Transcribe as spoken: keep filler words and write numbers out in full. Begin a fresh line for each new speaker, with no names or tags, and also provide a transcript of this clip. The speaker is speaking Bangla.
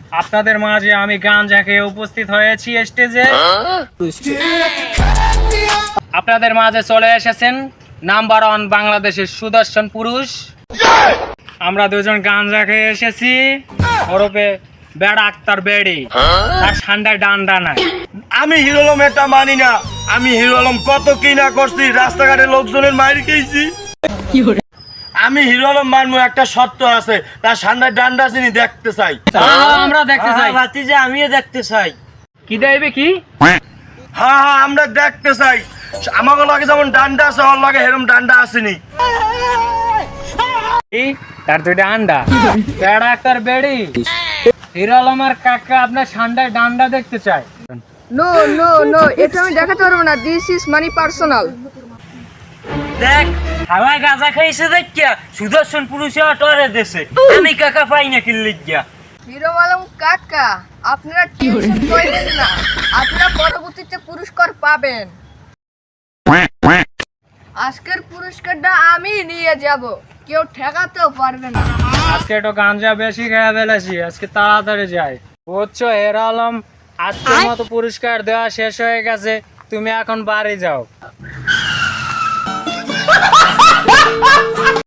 আপনাদের মাঝে আমি গাঁজা খেয়ে উপস্থিত হয়েছি স্টেজে। আপনাদের মাঝে চলে এসেছেন নাম্বার ওয়ান বাংলাদেশের সুদর্শন পুরুষ। আমরা দুজন গাঁজা খেয়ে এসেছি, ওরপে বেড়া আক্তার বেড়ি, তার ঠান্ডায় ডান্ডা নাই।
আমি হিরো আলম এটা মানি না। আমি হিরো আলম কত কি না করছি, রাস্তাঘাটে লোকজনের মাইর খেয়েছি। আমি হিরো আলম মানবো, একটা শর্ত আছে, তার ঠান্ডায় ডান্ডা চিনি দেখতে চাই।
আমরা দেখতে চাই,
ভাতিজা আমিও দেখতে চাই।
কি দেবে কি?
হ্যাঁ হ্যাঁ আমরা দেখতে চাই। আমাকে লাগে যেমন ডান্ডা আছে, ওর লাগে হেরম ডান্ডা আসেনি।
তার দুইটা আন্ডা, বেড়া আক্তার বেড়ি, হিরো আলমের কাকা আপনার ঠান্ডায় ডান্ডা দেখতে চায়।
নো নো নো, এটা আমি দেখাতে পারবো না। This is money personal.
দেখ হাওয়ায় গাঁজা খাইছে দেখিয়া সুদর্শন পুরুষে টরে দেশে, আমি কাকা পাই না কিনলে গিয়া।
হিরো আলম কাকা, আপনারা টেনশন করেন না, আপনারা পরবর্তীতে পুরস্কার পাবেন। আজকের পুরস্কারটা আমি নিয়ে যাব, কেউ ঠেকাতেও পারবে না।
আজকে একটু গাঞ্জা বেশি খেয়ে ফেলেছি, আজকে তাড়াতাড়ি যাই। বুঝছো হিরো আলম, আজকের মতো পুরস্কার দেওয়া শেষ হয়ে গেছে, তুমি এখন বাড়ি যাও।